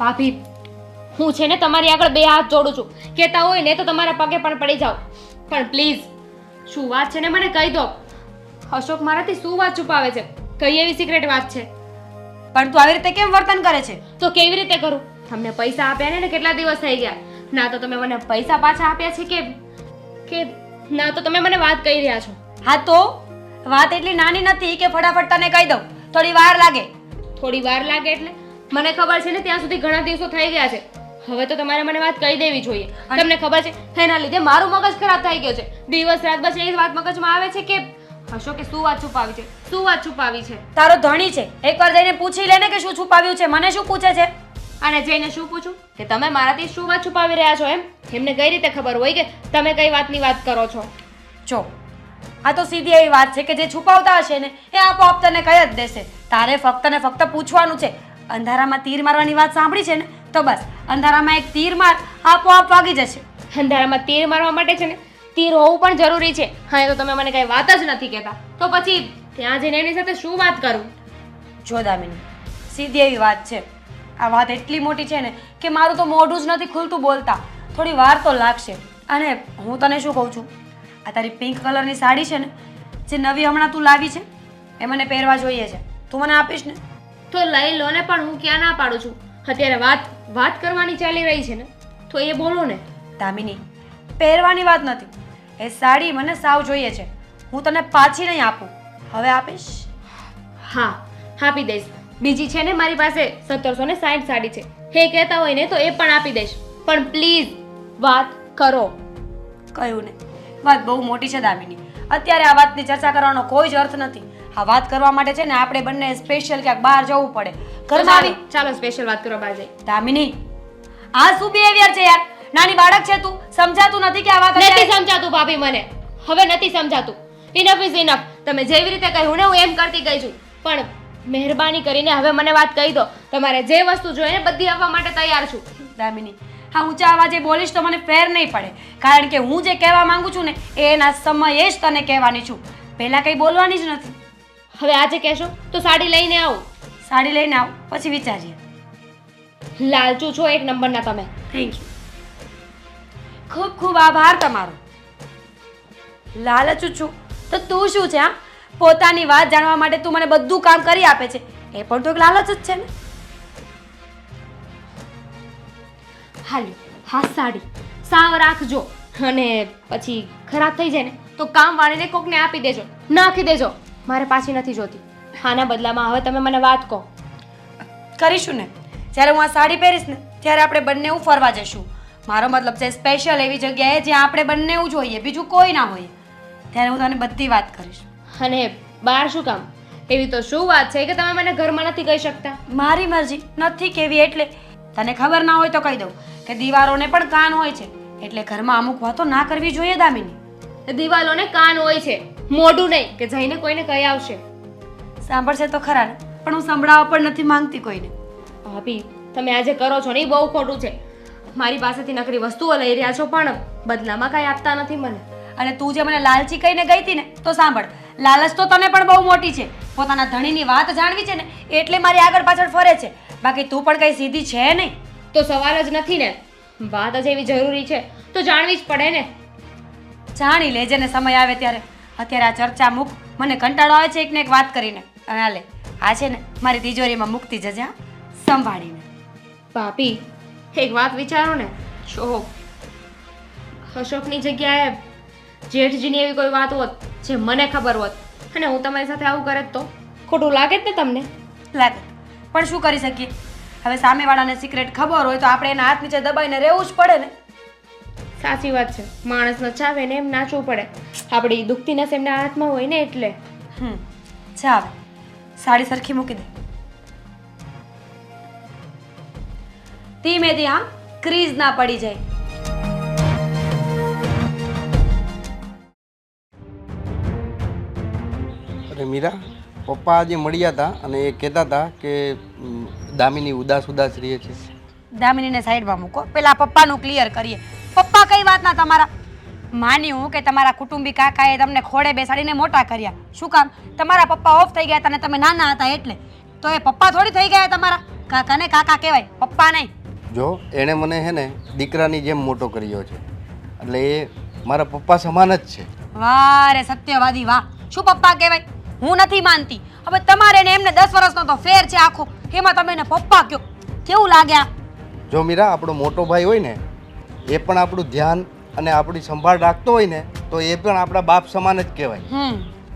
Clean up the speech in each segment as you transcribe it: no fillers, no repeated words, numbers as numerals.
ભાભી, હું છે ને તમારી આગળ બે હાથ જોડું છું. કહેતા હોય ને તો તમારા પગે પણ પડી જાઓ, પણ પ્લીઝ શું વાત છે ને મને કહી દો. અશોક મારાથી શું વાત છુપાવે છે? કઈ એવી સિક્રેટ વાત છે? પણ તું આવી રીતે કેમ વર્તન કરે છે? તો કેવી રીતે કરું? તમને પૈસા આપ્યા ને કેટલા દિવસ થઈ ગયા? ના તો તમે મને પૈસા પાછા આપ્યા છે કે ના તો તમે મને વાત કહી રહ્યા છો? હા તો વાત એટલી નાની નથી કે ફટાફટ તને કહી દઉં. થોડી વાર લાગે. થોડી વાર લાગે એટલે? મને ખબર છે ને ત્યાં સુધી ઘણા દિવસો થઈ ગયા છે. હવે તો તમારે મને વાત કહી દેવી જોઈએ. તમને ખબર છે એના લીધે મારું મગજ ખરાબ થઈ ગયો છે. દિવસ રાત બસ એ જ વાત મગજમાં આવે છે કે અશોકે શું વાત છુપાવી છે, શું વાત છુપાવી છે. તારો ધણી છે, એકવાર જઈને પૂછી લે ને કે શું છુપાવ્યું છે. મને શું પૂછે છે? અને જઈને શું પૂછું કે તમે મારાથી શું વાત છુપાવી રહ્યા છો? એમને કઈ રીતે ખબર હોય કે તમે કઈ વાતની વાત કરો છો? જો આ તો સીધી એવી વાત છે કે જે છુપાવતા હશે ને એ આપોઆપ તને કહી જ દેશે. તારે ફક્ત ને ફક્ત પૂછવાનું છે. અંધારામાં તીર મારવાની વાત સાંભળી છે ને, તો બસ અંધારામાં એક તીર માર, આપોઆપ વાગી જશે. અંધારામાં તીર મારવા માટે છે ને તીર હોવું પણ જરૂરી છે. હા, એ તો તમે મને કઈ વાત જ નથી કહેતા. તો પછી ત્યાં જઈને એની સાથે શું વાત કરું? જો દામિની, સીધી એવી વાત છે. આ વાત એટલી મોટી છે ને કે મારું તો મોઢું જ નથી ખુલતું બોલતા. થોડી વાર તો લાગશે. અને હું તને શું કહું છું, આ તારી પિંક કલરની સાડી છે ને, જે નવી હમણાં તું લાવી છે, એ મને પહેરવા જોઈએ છે. તું મને આપીશ ને? તો લઈ લો ને, પણ હું ક્યાં ના પાડું છું. અત્યારે વાત કરવાની ચાલી રહી છે ને, તો એ બોલો ને. દામિની, પહેરવાની વાત નથી. એ સાડી મને સાવ જોઈએ છે. હું તને પાછી નહીં આપું. હવે આપીશ? હા, આપી દઈશ. બીજી છે ને મારી પાસે 1760 સાડી છે. એ કહેતા હોય ને તો એ પણ આપી દઈશ. પણ પ્લીઝ વાત કરો. કહ્યું ને, વાત બહુ મોટી છે દામિની. અત્યારે આ વાતની ચર્ચા કરવાનો કોઈ જ અર્થ નથી. આ વાત કરવા માટે છે ને આપણે બંને સ્પેશિયલ ક્યાંક બહાર જવું પડે. ઘરમાં આવી ચાલો સ્પેશિયલ વાત કરવા બહાર જઈએ. દામિની, આ શું બિહેવિયર છે યાર? નાની બાળક છે તું, સમજાતું નથી કે આ વાત નથી સમજાતું ભાભી મને. હવે નથી સમજાતું. Enough is enough. તમે જેવી રીતે કહ્યું ને હું એમ કરતી ગઈ છું. પણ મહેરબાની કરીને હવે મને વાત કહી દો. તમારે જે વસ્તુ જોઈએ ને બધી આપવા માટે તૈયાર છું. દામિની, હા ઊંચા અવાજે બોલીશ તો મને ફેર નહીં પડે. કારણ કે હું જે કહેવા માંગુ છું ને એના સમયે જ તને કહેવાની છું. પહેલા કંઈ બોલવાની જ નથી. હવે આજે કહેશો તો સાડી લઈને આવું. સાડી લઈને આવ, પછી વિચારીએ. લાલચુ છો એક નંબરના તમે. Thank you. ખૂબ ખૂબ આભાર તમારો. લાલચું છું તો તું શું છે? હા, પોતાની વાત જાણવા માટે તું મને બધું કામ કરી આપે છે. એ પણ તો એક લાલચ જ છે ને. હાલ્યો, હા સાડી સાવ રાખજો. અને પછી ખરાબ થઈ જાય ને તો કામ વાળીને કોકને આપી દેજો, નાખી દેજો. મારે પાછી નથી જોતી. આના બદલામાં હવે તમે મને વાત કહો. કરીશું ને. જ્યારે હું આ સાડી પહેરીશ ને ત્યારે આપણે બંને ફરવા જઈશું. મારો મતલબ છે સ્પેશિયલ એવી જગ્યાએ જ્યાં આપણે બંને જોઈએ, બીજું કોઈ ના હોય. ત્યારે હું તને બધી વાત કરીશ. અને બહાર શું કામ? એવી તો શું વાત છે કે તમે મને ઘરમાં નથી કહી શકતા? મારી મરજી નથી કેવી એટલે તને ખબર ના હોય તો કહી દઉં કે દીવારોને પણ કાન હોય છે. એટલે ઘરમાં અમુક વાતો ના કરવી જોઈએ દામિની. દિવાલોને કાન હોય છે, મોઢું નહીં કે જઈને કોઈને કહી આવશે. સાંભળશે તો ખરા ને, પણ હું સંભળાવવા પણ નથી માંગતી કોઈને. ભાભી, તમે આજે કરો છો ને એ બહુ ખોટું છે. મારી પાસેથી નકરી વસ્તુઓ લઈ રહ્યા છો પણ બદલામાં કાંઈ આપતા નથી મને. અને તું જે મને લાલચી કહીને ગઈ હતી ને, તો સાંભળ, લાલચ તો તને પણ બહુ મોટી છે. પોતાના ધણીની વાત જાણવી છે ને એટલે મારી આગળ પાછળ ફરે છે. બાકી તું પણ કઈ સીધી છે નહીં. તો સવાલ જ નથી ને. વાત જ એવી જરૂરી છે તો જાણવી જ પડે ને. જાણી લેજે ને સમય આવે ત્યારે. અત્યારે આ ચર્ચા મૂક. મને કંટાળો આવે છે એકને એક વાત કરીને. અને હાલે, આ છે ને મારી તિજોરીમાં મૂકતી જજે, હા, સંભાળીને. ભાભી, એક વાત વિચારો ને. જો અશોકની જગ્યાએ જેઠજીની એવી કોઈ વાત હોત જે મને ખબર હોત અને હું તમારી સાથે આવું કરે તો ખોટું લાગે જ ને તમને? લાગે, પણ શું કરી શકીએ? હવે સામેવાળાને સિક્રેટ ખબર હોય તો આપણે એના હાથ નીચે દબાઈને રહેવું જ પડે ને. સાચી વાત છે. માણસ નચાવે ને એમ નાચવું પડે. આપણી દુખતી નસ એમના હાથમાં હોય ને એટલે. ચાલ, સાડી સરખી મૂકી દે. ધીમેથી, હા, ક્રીઝ ના પડી જાય. અરે મીરા, પપ્પા આજે મળ્યા હતા અને એ કહેતા હતા કે દામિની ઉદાસ રહે છે. દામિનીને સાઈડમાં મૂકો, પેલા પપ્પાનું ક્લિયર કરીએ. પપ્પા કઈ વાતના તમારા? માન્યું કે તમારા કુટુંબી કાકાએ તમને ખોડે બેસાડીને મોટા કર્યા. શું કામ? તમારા પપ્પા ઓફ થઈ ગયા હતા અને તમે નાના હતા એટલે. તો એ પપ્પા થોડી થઈ ગયા તમારા? કાકાને કાકા કહેવાય, પપ્પા નહીં. જો એણે મને હે ને દીકરાની જેમ મોટો કર્યો છે, એટલે એ મારા પપ્પા સમાન જ છે. વાહ રે સત્યવાદી વાહ! શું પપ્પા કહેવાય? હું નથી માનતી. હવે તમારે ને એમને 10 વર્ષનો તો ફેર છે આખો, એમાં તમે એને પપ્પા કહો, કેવું લાગે આ? જો મીરા, આપણો મોટો ભાઈ હોય ને એ પણ આપણું ધ્યાન અને આપણી સંભાળ રાખતો હોય ને તો એ પણ આપણા બાપ સમાન જ કહેવાય.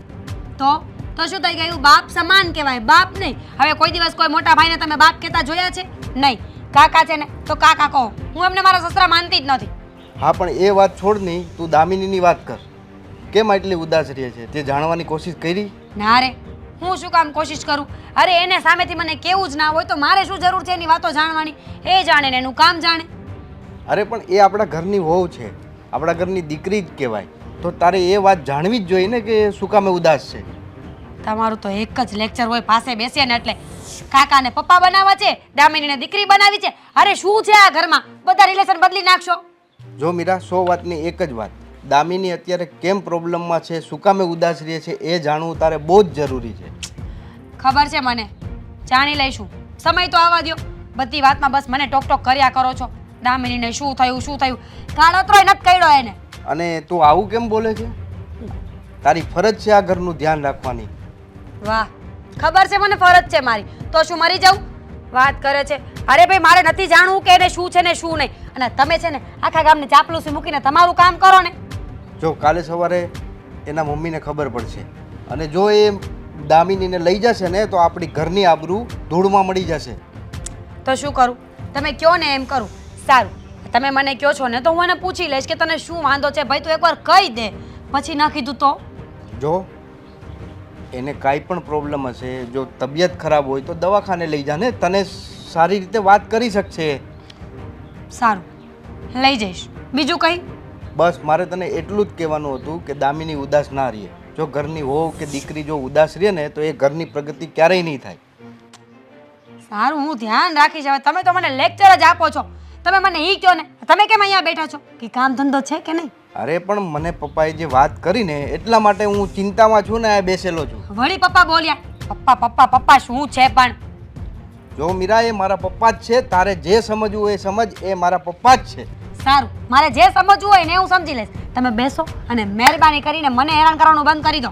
તો શું થઈ ગયું? બાપ સમાન કહેવાય, બાપ નહીં. હવે કોઈ દિવસ કોઈ મોટા ભાઈને તમે બાપ કહેતા જોયા છે? નહીં. કાકા છે ને તો કાકા કહો. હું એમને મારા સસરા માનતી જ નથી. હા, પણ એ વાત છોડ નહીં, તું દામિનીની વાત કર. કેમ આટલી ઉદાસ રહે છે? તે જાણવાની કોશિશ કરી? ના રે, હું શું કામ કોશિશ કરું? અરે એને સામેથી મને કેવું જ ના હોય તો મારે શું જરૂર છે એની વાતો જાણવાની? એ જાણે ને એનું કામ જાણે. અરે પણ એ આપણા ઘરની વહુ છે, આપણા ઘરની દીકરી જ કહેવાય, તો તારે એ વાત જાણવી જ જોઈએ ને કે શું કામે ઉદાસ છે. તમારું તો એક જ લેક્ચર હોય, પાસે બેસીએ ને એટલે કાકાને પપ્પા બનાવવા છે, દામિનીને દીકરી બનાવી છે. અરે શું છે આ ઘરમાં? બધા રિલેશન બદલી નાખશો. જો મીરા, 100 વાતની એક જ વાત, દામિની અત્યારે કેમ પ્રોબ્લેમમાં છે, શું કામે ઉદાસ રહે છે એ જાણવું તારે બહુ જ જરૂરી છે. ખબર છે મને, જાણી લઈશું. સમય તો આવવા દ્યો. બધી વાતમાં બસ મને ટોક ટોક કર્યા કરો છો. દામિનીને શું થયું શું થયું? કાળોતરોય નથી કર્યો એને. અને તું આવું કેમ બોલે છે? તારી ફરજ છે આ ઘરનું ધ્યાન રાખવાની. વાહ, ખબર છે મને ફરજ છે મારી, તો શું મરી જાઉં? વાત કરે છે. અરે ભાઈ, મારે નથી જાણવું કે એને શું છે ને શું નહીં. અને તમે છે ને આખા ગામને ચાપલુસી મૂકીને તમારું કામ કરો ને. જો કાલે સવારે એના મમ્મીને ખબર પડશે અને જો એ દામિનીને લઈ જશે ને તો આપણી ઘરની આબરૂ ધૂળમાં મળી જશે. તો શું કરું? તમે કહો ને એમ કરું. સારું, તમે મને કહો છો ને તો હું એને પૂછી લઈશ કે તને શું વાંધો છે ભાઈ, તું એકવાર કહી દે. પછી ન કીધું તો? જો એને કાંઈ પણ પ્રોબ્લેમ હશે, જો તબિયત ખરાબ હોય તો દવાખાને લઈ જા ને, તને સારી રીતે વાત કરી શકશે. સારું, લઈ જઈશ. બીજું કંઈ? બસ મારે તને એટલું જ કહેવાનું હતું કે દામિની ઉદાસ ના રહે. જો ઘરની વહુ કે દીકરી જો ઉદાસ રહે ને તો એ ઘરની પ્રગતિ ક્યારેય નહીં થાય. સારું, હું ધ્યાન રાખીશ. હવે તમે તો મને લેક્ચર જ આપો છો. તમે મને ઈ કહો ને, તમે કેમ અહીંયા બેઠા છો? કે કામ ધંધો છે કે નહીં? અરે પણ મને પપ્પાએ જે વાત કરી ને એટલા માટે હું ચિંતામાં છું ને આ બેસેલો છું. વળી પપ્પા બોલ્યા. પપ્પા પપ્પા પપ્પા શું છે પણ? જો મીરા, એ મારા પપ્પા જ છે, તારે જે સમજવું હોય એ સમજ, એ મારા પપ્પા જ છે. સારું, મારે જે સમજવું હોય ને હું સમજી લઈશ. તમે બેસો અને મહેરબાની કરીને મને હેરાન કરવાનું બંધ કરી દો.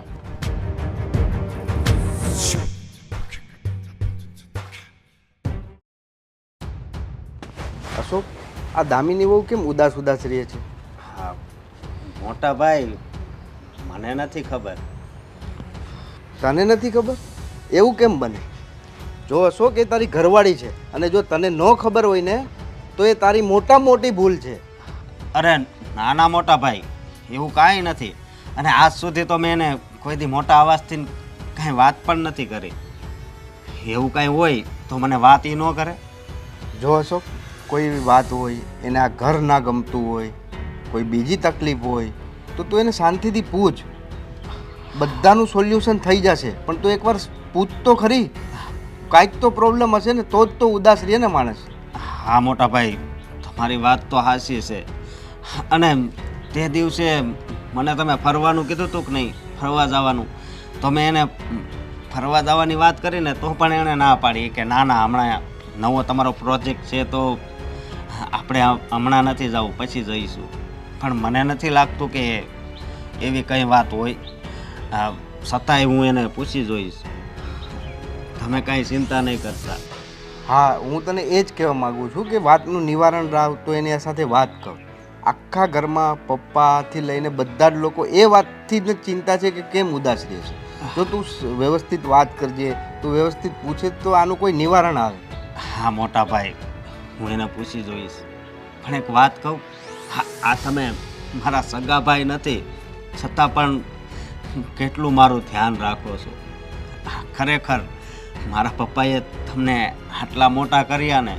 અશોક, આ દામિની વહુ કેમ ઉદાસ ઉદાસ રહે છે? હા મોટા ભાઈ, મને નથી ખબર. તને નથી ખબર? એવું કેમ બને? જો અશોક, એ તારી ઘરવાળી છે અને જો તને ન ખબર હોય ને તો એ તારી મોટામાં મોટી ભૂલ છે. અરે નાના મોટા ભાઈ, એવું કાંઈ નથી. અને આજ સુધી તો મેં એને કોઈ દી મોટા અવાજથી કાંઈ વાત પણ નથી કરી. એવું કાંઈ હોય તો મને વાત એ ન કરે. જો અશોક, કોઈ વાત હોય, એને આ ઘર ના ગમતું હોય, કોઈ બીજી તકલીફ હોય તો તું એને શાંતિથી પૂછ, બધાનું સોલ્યુશન થઈ જશે. પણ તું એકવાર પૂછ તો ખરી, કાંઈક તો પ્રોબ્લેમ હશે ને તો જ તો ઉદાસ રહે ને માણસ. હા મોટા ભાઈ, તમારી વાત તો હાચી છે. અને તે દિવસે મને તમે ફરવાનું કીધું હતું કે નહીં, ફરવા જવાનું, તો મેં એને ફરવા જવાની વાત કરીને તો પણ એણે ના પાડી કે ના ના, હમણાં નવો તમારો પ્રોજેક્ટ છે તો આપણે હમણાં નથી જવું, પછી જઈશું. પણ મને નથી લાગતું કે એવી કંઈ વાત હોય. છતાંય હું એને પૂછી જોઈશ. તમે કાંઈ ચિંતા નહીં કરતા. હા, હું તને એ જ કહેવા માગું છું કે વાતનું નિવારણ રાવ તો એની સાથે વાત કર. આખા ઘરમાં પપ્પાથી લઈને બધા જ લોકો એ વાતથી જ ચિંતા છે કે કેમ ઉદાસ રહે છે. જો તું વ્યવસ્થિત વાત કરજે, તું વ્યવસ્થિત પૂછે તો આનું કોઈ નિવારણ આવે. હા મોટા ભાઈ, હું એને પૂછી જોઈશ. પણ એક વાત કહું, આ તમે મારા સગા ભાઈ નથી છતાં પણ કેટલું મારું ધ્યાન રાખો છો. ખરેખર મારા પપ્પાએ તમને આટલા મોટા કર્યા ને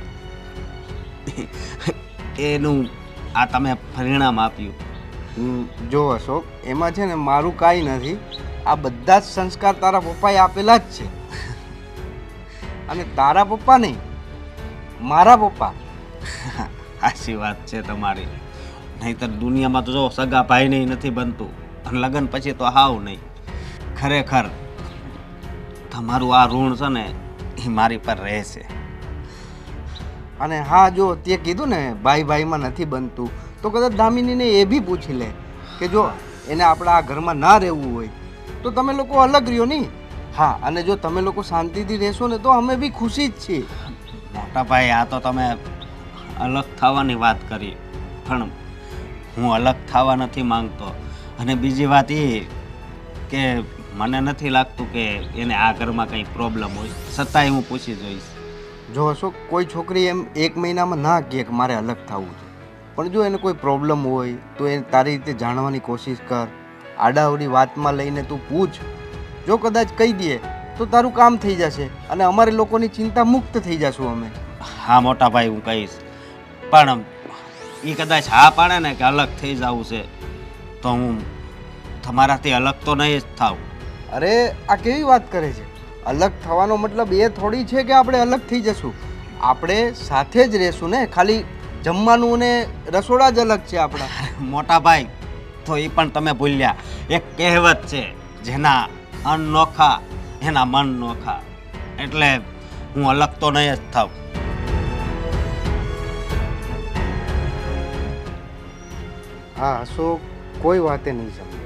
એનું આ તમે પરિણામ આપ્યું. જો અશોક, એમાં છે ને મારું કાંઈ નથી. આ બધા જ સંસ્કાર તારા પપ્પાએ આપેલા જ છે. અને તારા પપ્પા નહીં, મારા પપ્પા. સાચી વાત છે તમારી. નહીંતર દુનિયામાં તો જો સગા ભાઈ નહીં નથી બનતું, અને લગ્ન પછી તો હાવ નહીં. ખરેખર તમારું આ ઋણ છે ને એ મારી પર રહેશે. અને હા જો તે કીધું ને ભાઈ ભાઈમાં નથી બનતું, તો કદાચ દામિનીને એ બી પૂછી લે કે જો એને આપણા આ ઘરમાં ના રહેવું હોય તો તમે લોકો અલગ રહ્યો નહીં. હા, અને જો તમે લોકો શાંતિથી રહેશો ને તો અમે બી ખુશી જ છીએ. મોટા ભાઈ, આ તો તમે અલગ થવાની વાત કરી, પણ હું અલગ થવા નથી માંગતો. અને બીજી વાત એ કે મને નથી લાગતું કે એને આ ઘરમાં કંઈ પ્રોબ્લેમ હોય, છતાંય હું પૂછી જોઈશ. જો અશોક, કોઈ છોકરી એમ 1 મહિનામાં ના કહે કે મારે અલગ થવું છે, પણ જો એને કોઈ પ્રોબ્લેમ હોય તો એ તારી રીતે જાણવાની કોશિશ કર. આડાઅવડી વાતમાં લઈને તું પૂછ. જો કદાચ કહી દે તો તારું કામ થઈ જશે અને અમારે લોકોની ચિંતા મુક્ત થઈ જશું અમે. હા મોટા ભાઈ, હું કહીશ. પણ એ કદાચ હા પાડે ને કે અલગ થઈ જવું છે, તો હું તમારાથી અલગ તો નહીં જ થાવ. અરે આ કેવી વાત કરે છે? અલગ થવાનો મતલબ એ થોડી છે કે આપણે અલગ થઈ જશું. આપણે સાથે જ રહેશું ને, ખાલી જમવાનું ને રસોડા જ અલગ છે આપણા. મોટા ભાઈ, તો એ પણ તમે ભૂલ્યા. એક કહેવત છે, જેના અન્ન નોખા એના મન નોખા. એટલે હું અલગ તો નહીં જ થાવ. હા અશોક, કોઈ વાતે નહીં સમજે.